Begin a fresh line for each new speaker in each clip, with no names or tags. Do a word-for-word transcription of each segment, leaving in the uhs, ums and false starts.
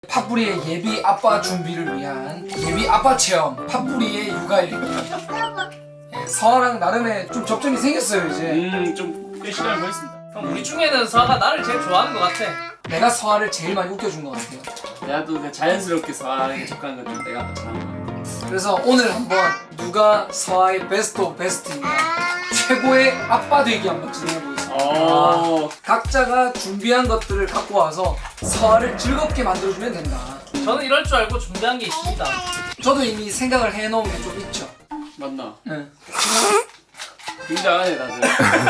팥뿌리의 예비 아빠 준비를 위한 예비 아빠 체험 팥뿌리의 육아일입니다. 예, 서아랑 나름의 좀 접점이 생겼어요 이제.
음좀 시간을 보냈습니다.
그럼 우리 중에는 서아가 나를 제일 좋아하는 것 같아.
내가 서아를 제일 많이 웃겨준 것 같아요.
나도 그냥 자연스럽게 서아에게 접근한 건 내가 아까 잘한 것 같아.
그래서 오늘 한번 누가 서아의 베스트 오브 베스트인가 최고의 아빠 되기 한번 진행해 보겠습니다.
어.
각자가 준비한 것들을 갖고 와서 서아를 즐겁게 만들어주면 된다.
저는 이럴 줄 알고 준비한 게 있습니다.
저도 이미 생각을 해놓은 게 좀 있죠.
맞나?
응.
굉장하네 다들.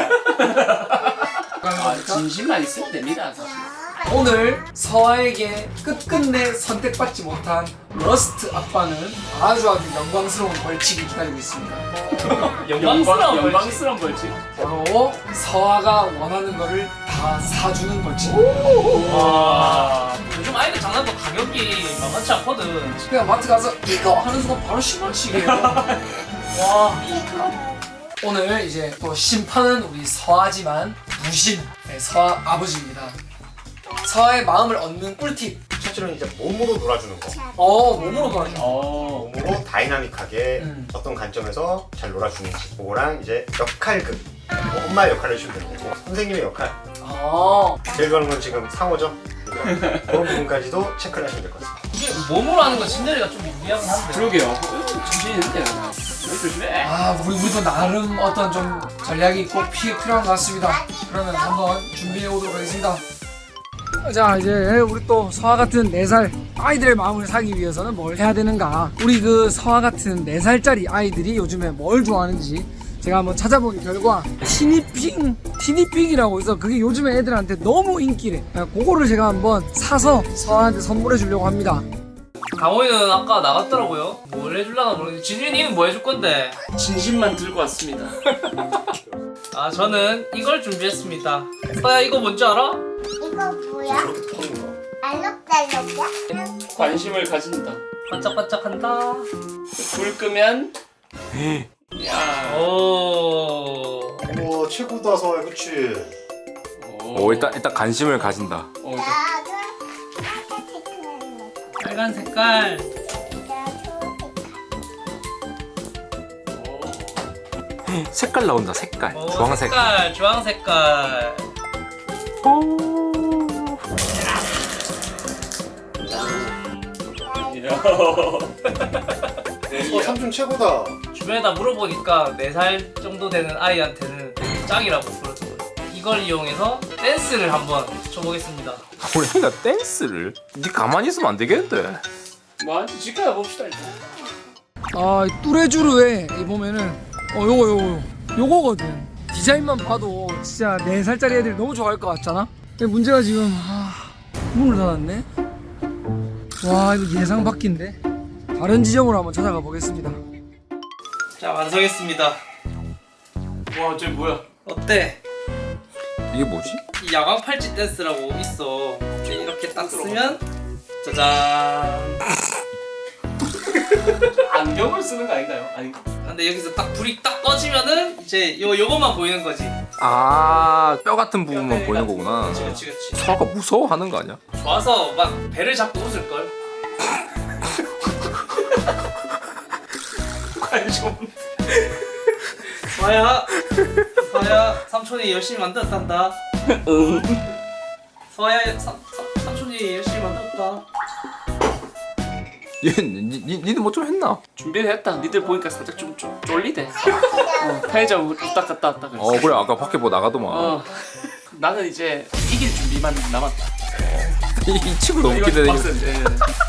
아,
그러니까
진심만 있으면 됩니다 사실.
오늘 서아에게 끝끝내 선택받지 못한 러스트 아빠는 아주 아주 영광스러운 벌칙이 기다리고 있습니다.
영광스러운 벌칙.
영광스러운 벌칙.
바로 서아가 원하는 거를 다 사주는 벌칙.
와. 요즘 아이들 장난감 가격이 만만치 않거든.
그냥 마트 가서 이거 하는 순간 바로 십 원씩이에요.
와.
오늘 이제 또 심판은 우리 서아지만 무심 네, 서아 아버지입니다. 서아의 마음을 얻는 꿀팁.
첫째로는 이제 몸으로 놀아주는 거.
어 몸으로 놀아줘.
어.
몸으로 다이나믹하게
음.
어떤 관점에서 잘 놀아주는지. 그거랑 이제 역할극. 뭐 엄마 역할을 해주면 되고 선생님의 역할.
아
제일 좋아하는 건 지금 상호죠. 그러니까 그런 부분까지도 체크를 하시면 될 것 같습니다.
이게 몸으로 하는 건 신내리가 좀 유리하긴 한데.
그러게요. 정신이 있는데 나. 조심해.
아 우리 우리도 나름 어떤 좀 전략이 꼭 피, 필요한 것 같습니다. 그러면 한번 준비해 오도록 하겠습니다. 자 이제 우리 또 서아 같은 네 살 아이들의 마음을 사기 위해서는 뭘 해야 되는가. 우리 그 서아 같은 네 살짜리 아이들이 요즘에 뭘 좋아하는지 제가 한번 찾아본 결과 티니핑 티니핑이라고 해서 그게 요즘에 애들한테 너무 인기래. 그거를 제가 한번 사서 서아한테 선물해 주려고 합니다.
강호이는 아까 나갔더라고요. 뭘 해줄라나 모르겠는데 진준이는 뭐 해줄 건데?
진심만 들고 왔습니다.
아 저는 이걸 준비했습니다. 서야 이거 뭔지 알아?
이거 뭐야?
저렇게 터는 거.
알록달록이야?
관심을 가진다.
반짝반짝한다.
불 끄면. 야.
오.
우와 최고다 서아 그치?
오 일단 일단 관심을 가진다.
어, 일단
나도
빨간 색깔.
색깔 나온다. 색깔.
오,
주황색.
색깔, 주황 색깔.
어 삼촌 최고다.
주변에다 물어보니까 네 살 정도 되는 아이한테는 짱이라고 그러더라고요. 이걸 이용해서 댄스를 한번 쳐보겠습니다.
우리 애가 댄스를? 니 가만히 있으면 안 되겠는데.
뭐 지켜봐 봅시다 일단.
아, 이 뚜레쥬르에 이 보면은 어 요거 요거 요거거든. 디자인만 봐도 진짜 네 살짜리 애들이 너무 좋아할 것 같잖아. 근데 문제가 지금 아, 문을 닫았네. 와 이거 예상 밖인데. 다른 지점으로 한번 찾아가 보겠습니다.
자, 완성했습니다.
와, 쟤 뭐야?
어때?
이게 뭐지?
이 야광 팔찌 댄스라고 있어. 이제 이렇게 딱 쓰면 짜잔.
안경을 쓰는 거 아닌가요? 아니.
근데 여기서 딱 불이 딱 꺼지면은 이제 요 요것만 보이는 거지.
아, 뼈 같은 부분만 보이는 거구나.
그렇지, 그렇지, 그렇지.
서아가 무서워하는 거 아니야?
좋아서 막 배를 잡고 웃을 걸.
관심 없네.
서아야, 서아야, 삼촌이 열심히 만들었단다.
응.
서아야, 삼, 삼, 삼촌이 열심히 만들었다.
얘, 니, 니, 니는 뭐 좀 했나?
준비를 했다. 니들 보니까 살짝 좀, 좀 쫄리대. 어, 편의점 왔다 갔다 왔다 그랬어.
어 그래 아까 밖에 뭐 나가더만.
어. 나는 이제 이길 준비만 남았다.
이, 이 친구 너무
이거
기대돼.
빡센데.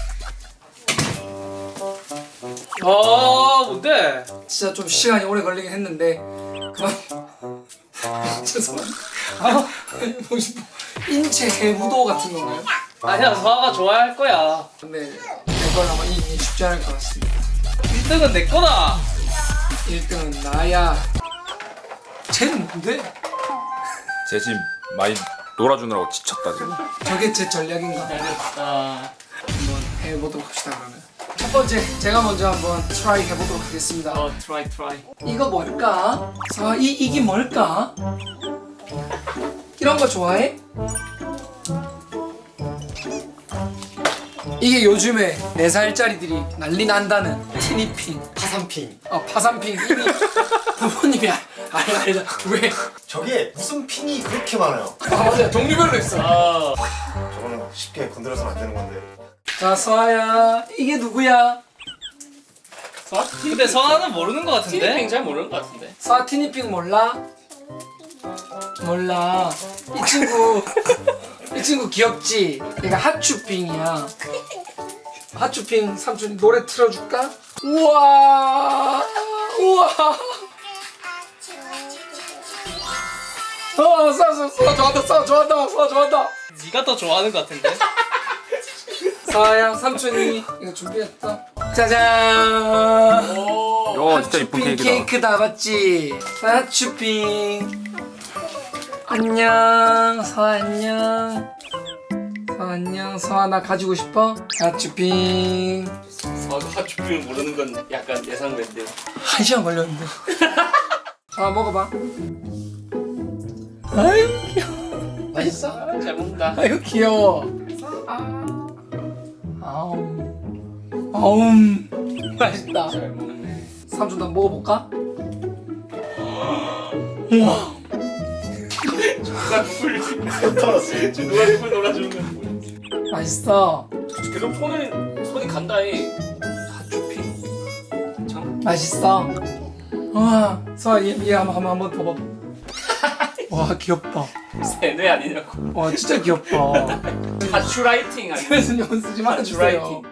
어, 뭔데?
진짜 좀 시간이 오래 걸리긴 했는데 그만. 죄송합니다. 아, 보고 싶어. 인체 해부도 같은 건가요?
아니야, 서아가 좋아할 거야.
근데 내걸 아마 이 쉽지 않을 것 같습니다.
일 등은 내 거다.
일 등은 나야. 쟤는 뭔데?
쟤 지금 많이 놀아주느라고 지쳤다 지금.
저게 제 전략인가?
잘했다.
한번 해보도록 합시다 그러면. 첫 번째 제가 먼저 한번 트라이 해보도록 하겠습니다.
어, 트라이 트라이.
이거 뭘까? 자, 이 이게 뭘까? 이런 거 좋아해? 이게 요즘에 네 살짜리들이 난리 난다는 티니핑,
파산핑.
어, 파산핑. 이미 부모님이 알, 알, 알다. 왜?
저게 무슨 핑이 그렇게 많아요?
아 맞아요. 종류별로 있어.
아
저거는 쉽게 건드려서는 안 되는 건데.
자 서아야, 이게 누구야?
근데 선아는 모르는 것 같은데?
티니핑 잘 모르는 것 같은데.
서아 티니핑 몰라? 몰라. 이 친구 이 친구 귀엽지? 얘가 핫추핑이야. 핫추핑 삼촌이 노래 틀어줄까? 우와 우와. 어, 서아 서아 서아 좋아한다. 서아 좋아한다. 서아 좋아한다.
네가 더 좋아하는 것 같은데?
서아야 삼촌이 이거 준비했어. 짜잔.
오.
야 진짜 이쁜
핫추핑
케이크다.
케이크 다 봤지? 핫추핑. 안녕 서아 안녕. 서아 안녕. 서아 나 가지고 싶어? 핫추핑.
서아가 핫추핑을 모르는 건 약간 예상된데.
한 시간 걸렸는데. 서아 먹어봐. 아유 귀여워. 맛있어?
아, 잘 먹는다.
아유 귀여워. 아. 아움. 아움. 맛있다.
잘 먹네.
삼촌 나 먹어볼까? 우와.
누가 누굴 떨었어? 누가 누굴 놀아주는 거야?
맛있어.
계속 손을 손이 간다해. 핫추핑. 참.
맛있어. 와, 서아 얘, 얘 한번 한번 한번 더 봐봐. 와 귀엽다.
세뇌 아니냐고.
와 진짜 귀엽다.
핫추라이팅 아니야?
그래서 연 쓰지 말아주세요.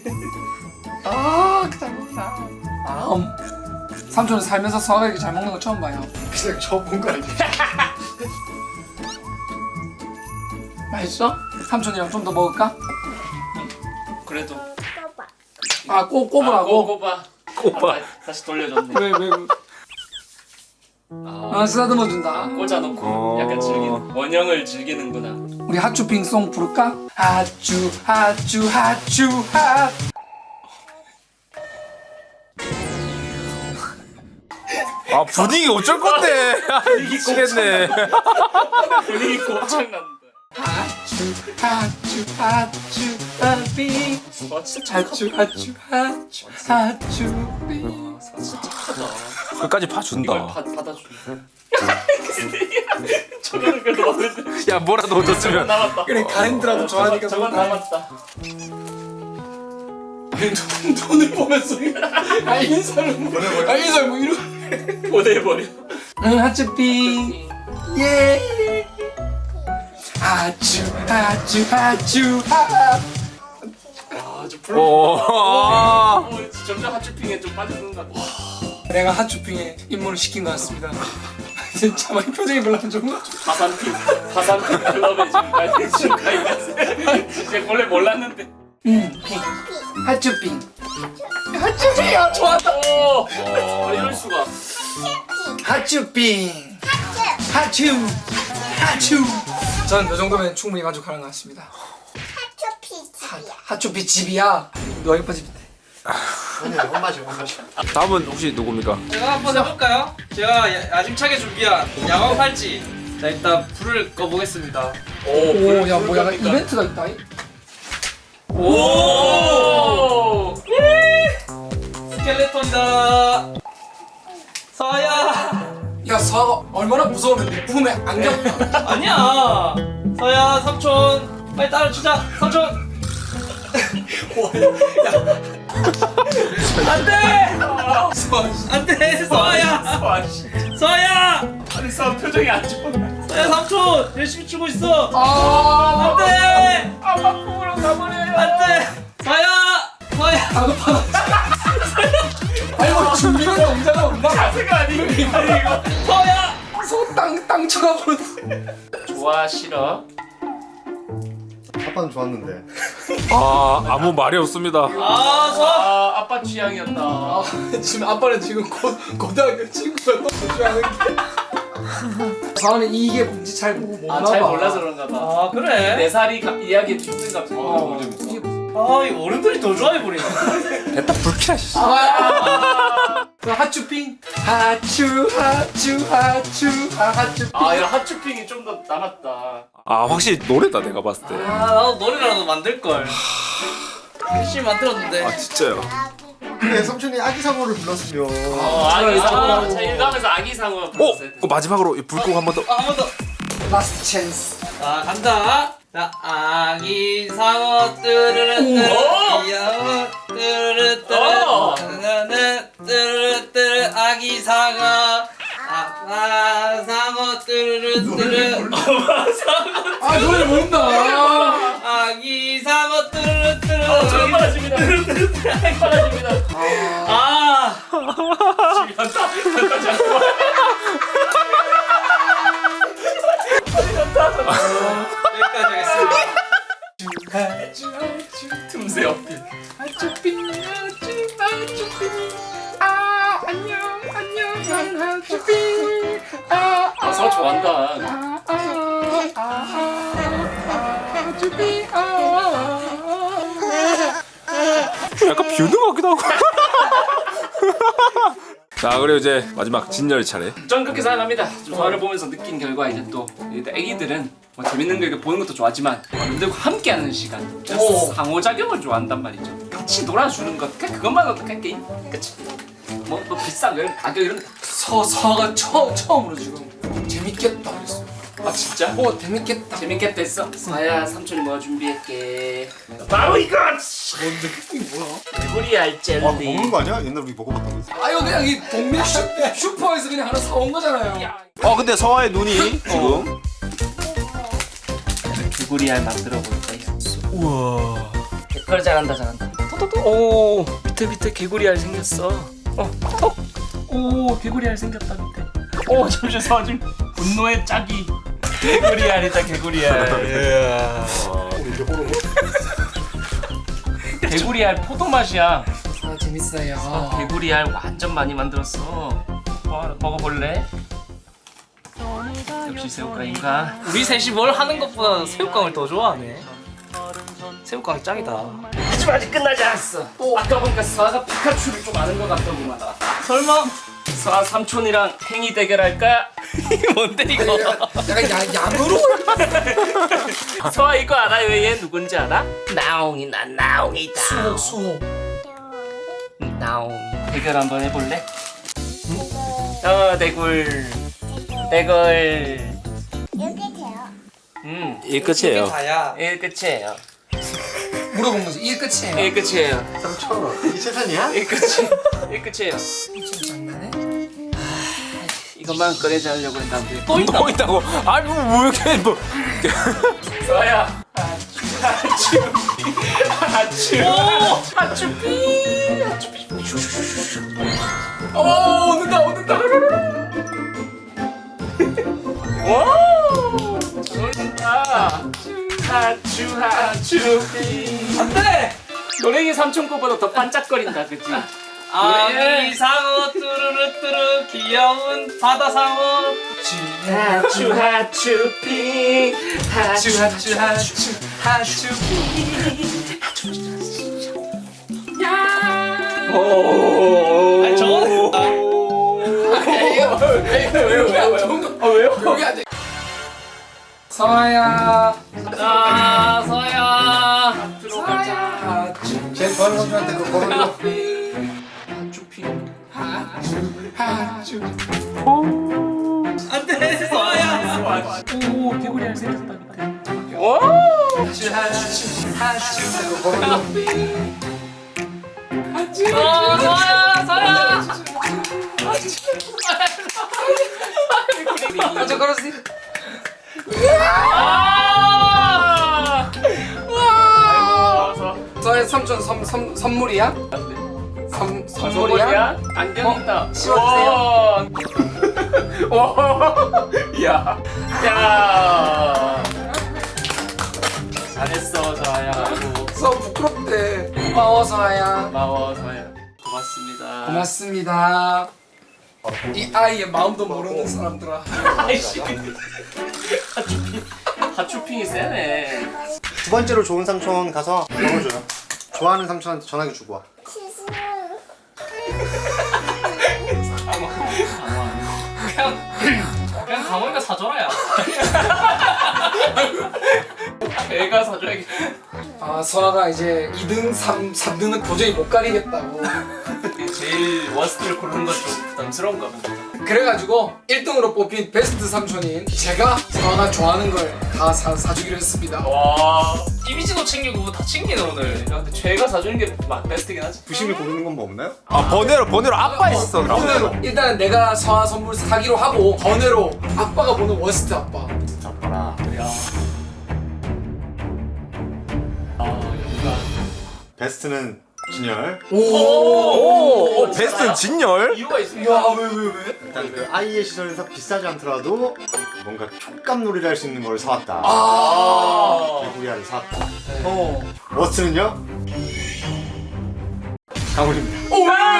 아, 잘 먹다. 아, 음. 삼촌은 살면서 서아가 이렇게 잘 먹는 거 처음 봐요.
그냥 저 본 거 아니야?
맛있어? 삼촌이랑 좀 더 먹을까?
그래도.
아, 꼭
아,
꼽으라고.
꼽아. 꼽아. 다시 돌려줬네.
왜 왜? 아, 쓰다듬어 준다.
꽂아놓고
어.
약간 즐기는 원형을 즐기는구나.
우리 핫추핑 송 부를까? 핫추 핫추 핫추 핫.
아 분위기 어쩔 건데. 아, 미치겠네.
분위기 고장난다.
핫추 핫추 핫추 핫빙.
와 진짜
핫추 핫추 핫추 핫추빙.
진짜 착하다.
끝까지
이걸
봐준다.
받, 받아주네. 저거는 그래도 마음에
야 뭐라도 얻었으면.
남았다.
그래 가랜드라도 좋아하니까
저건
좋다.
남았다.
아니 돈, 돈을 보면서 아 인사를 뭐 아, 인사를 뭐 이러.
보내버려.
응 핫추빙 예. 핫추 핫추 핫추 핫.
아저 불러.
오.
어, 점점 핫추핑에 좀 빠져드는 것 같아.
내가 핫추핑에 입문을 시킨 것 같습니다. 진짜 막 표정이 별로 안 좋은 것 같아.
파산핑 파산핑 클럽에 지금 가입 지금 가입했어. 진짜 원래 몰랐는데.
응 핑. 핫추핑. 핫추핑 좋았다.
오. 아, 이럴 수가.
핫추핑. 핫추 핫추. 저는 이 정도면 충분히 만족하는 것 같습니다. 핫- 핫추피 집이야. 너희빠 집인데.
아니야, 혼마셔, 혼마셔.
다음은 혹시 누굽니까?
제가 한번 해볼까요? 제가 야- 야심차게 준비한 야광 팔찌. 자 일단 불을 꺼보겠습니다.
오, 야, 뭐 약간 이벤트가 있다.
오.
스켈레톤이다. 서야.
야, 서아가 얼마나 무서우면 내 품에 안겨.
아니야. 서야 삼촌 빨리 따라주자. 삼촌. 안돼.
서아 씨.
안돼. 서야.
아 씨.
서야.
아니 싸움 표정이 안 좋네.
서야 삼촌 열심히 추고 있어.
아,
안돼.
아빠 품으로 가버려요.
안돼. 서야. 서야.
다급하다. 아니, 뭐 준비된 동작은 없나?
자세가 아니고 이거.
서야.
손땅 땅 쳐가버렸어.
좋아 싫어.
아빠는 좋았는데.
아 아무 말이 없습니다.
아 서.
아 아빠 취향이었다.
아, 지금 아빠는 지금 고, 고등학교 친구가 너무 좋아하는 게. 서아는 이게 뭔지 잘 모르 못
아
나
잘
봐.
몰라서 그런가 봐.
아 그래.
네 살이 가- 이야기에 힘든가 봐.
어, 이게 무슨-
아, 이 어른들이 더 좋아해 버리네.
됐다 불키라 씨.
그 핫추핑 핫추 핫추 핫추 아 핫추.
아야 핫추핑이 좀 더 남았다.
아 확실히 노래다 내가 봤을 때.
아, 나도 노래라도 만들 걸. 열심히 만들었는데.
아 진짜요?
그래 삼촌이 아기 상어를 불렀으면.
어, 아기 상어. 자, 일감에서 아기 상어
어?
불렀어야 돼.
그 마지막으로 이 불꽃 한 번 더.
아, 한 번 더.
라스트 찬스.
자, 간다. 자, 아기 상어 뚜르르
오!
귀여워 뚜르르
오!
뚜르르 뚜르르 뚜르 아기 상어 아빠 상어 뚜르르 뚜르
아 노래 모른다.
아기 상어 뚜르르 뚜르
저 빨라집니다. 빨라집니다.
아
현타, 현타 잠깐만.
여기까지 하겠습니다.
틈새 어필. 아, 서 좋아한다.
약간 비웃는 것 같기도 하고. 자 그리고 이제 마지막 진열 차례.
전 그렇게 생각합니다. 좀 서화를 보면서 느낀 결과 이제 또 일단 애기들은 뭐 재밌는 거 이렇게 보는 것도 좋아하지만 어른들과 함께하는 시간,
오.
상호작용을 좋아한단 말이죠. 같이 놀아주는 것, 그냥 그것만으로도 그냥 게임 끝이. 뭐, 뭐 비싼 거 이런 가격 이런 거.
서 서가 처 처음으로 지금 재밌겠다 그랬어.
아 진짜?
어 재밌겠다.
재밌겠다 했어? 서야 삼촌이 뭐 준비할게. 바로 이거!
뭔데 이게 뭐야?
개구리알 젤리.
아 먹는 거 아니야? 옛날 우리 먹어봤던 거 있어.
아유 그냥 이 동네 슈, 슈퍼에서 그냥 하나 사온 거잖아요.
야,
어 근데 서아의 눈이 지금.
개구리알 만들어 볼 거야.
우와.
개털 잘한다 잘한다. 토토토. 오 밑에 밑에 개구리알 생겼어. 어 톡. 오 개구리알 생겼다 밑에. 오 잠시만 서아 지금 분노의 짝이. 개구리알이다 개구리알. 개구리알 포도 맛이야.
아 재밌어요.
개구리알 완전 많이 만들었어. 와, 먹어볼래? 역시 새우깡인가?
우리 셋이 뭘 하는 것보다 새우깡을 더 좋아하네. 새우깡이 짱이다.
하지만 아직 끝나지 않았어. 아까 보니까 서아가 피카츄를 좀 아는 것 같더구만.
설마?
서아 삼촌이랑 행위 대결할까?
뭔데 이거?
약간 야, 양으로?
서아 이거 알아요? 얘 누군지 알아? 나옹이다 나옹이다.
수호 수호.
나옹이. 대결 한번 해볼래? 어 대굴 대굴.
이렇게 돼요.
음,
이 끝이에요.
다야.
예 끝이에요.
물어본 거지. 이게 끝이에요.
예 끝이에요.
삼촌 이게 최선이야?
예 끝이. 예 끝이에요.
좀 장난해?
이것만 꺼내자 하려고 했는데.
또 있다.
뭐 있다고? 아니 뭐 이렇게 뭐.
서야. 하츄 하츄 하츄 피 하츄 피.
어 오는다 오는다.
와! 좋다. 하츄 하츄 피.
안돼.
노랭이 삼촌 거보다 더 반짝거린다, 그치?
아기 상어 뚜루루 뚜루 귀여운 바다 상어.
하츄 하츄 피 하츄
하츄 하츄 하츄.
오.
아니 저거는
왜요? 왜요? 여기 안 좋은 거.
아 왜요?
여기 안 돼. 서아야.
아 서야. 들어가자.
하츄
제일 좋아하는 삼촌한테 그거 걸어줘.
하츄 피.
하츄.
안돼 서야.
오 개구리 알 생겼다 밑에. 오.
하츄 하츄 하츄. 걸어줘.
어 서야 서야.
먼저 걸었지.
아. 아이고.
서의 삼촌 선, 선, 선물이야? 선, 선물이야?
선물이야? 안경 있다.
어? 씌워주세요.
와. 와. 야. 야. 잘했어, 서아야. 아이고.
서 부끄럽대. 고마워 서아야.
고마워, 서아야. 고맙습니다.
고맙습니다. 이 아이의 마음도 모르는 사람들아.
아이씨. 하츄핑. 하츄핑이 세네.
두 번째로 좋은 삼촌 가서 걸어줘요. 좋아하는 삼촌한테 전화기 주고 와.
그냥 그냥 강호이가 사줘라야.
애가 사줘야겠다.
아 선아가 이제 이 등, 삼, 삼 등은 도저히 못 가리겠다고.
제일 워스트를 고르는 건 좀 부담스러운가 보다.
그래가지고 일 등으로 뽑힌 베스트 삼촌인 제가 선아가 좋아하는 걸 다 사주기로 했습니다.
와.
이미지도 챙기고 다 챙기네 오늘.
야, 근데 죄가 사주는 게 마- 베스트긴 하지.
부심을 고르는 건 뭐 없나요?
아 번외로 번외로 아빠 있어.
번외로 일단 내가 선아 선물 사기로 하고 번외로 아빠가 보는 워스트 아빠.
아빠라. 베스트는 진열.
오, 오 베스트는 진열.
이유가 있습니다.
야왜 왜 왜?
일단 그 아이의 시선에서 비싸지 않더라도 뭔가 촉감놀이를 할 수 있는 걸 사왔다.
아.
개구리알을 사왔다.
어.
워스트는요? 강훈입니다.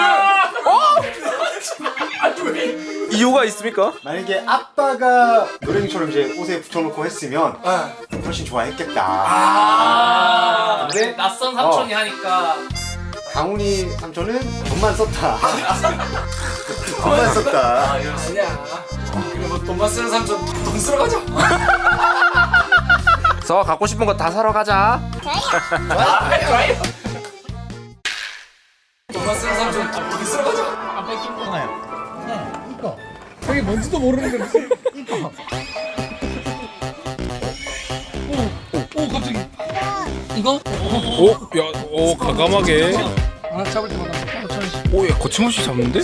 이유가 있습니까?
만약에 아빠가 노랭이처럼 이제 옷에 붙여놓고 했으면
아.
훨씬 좋아했겠다.
아,
근데
낯선 삼촌이 하니까
강훈이 삼촌은 돈만 썼다. 돈만 썼다.
아니야. 그리고 뭐 돈만 쓰는 삼촌 돈 쓰러 가자.
서 갖고 싶은 거 다 사러 가자.
돈만 쓰는 삼촌 돈 쓰러 가자.
아빠 끼고
저게 뭔지도 모르는 건데. 이거. 오, 오 갑자기. 이거?
오, 야, 오 과감하게.
하나 잡을 때마다.
오, 야 거침없이 잡는데?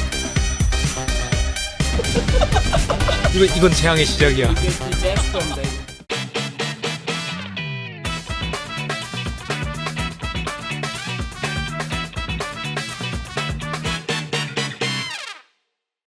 이거 이건 재앙의 시작이야.
제스톤데.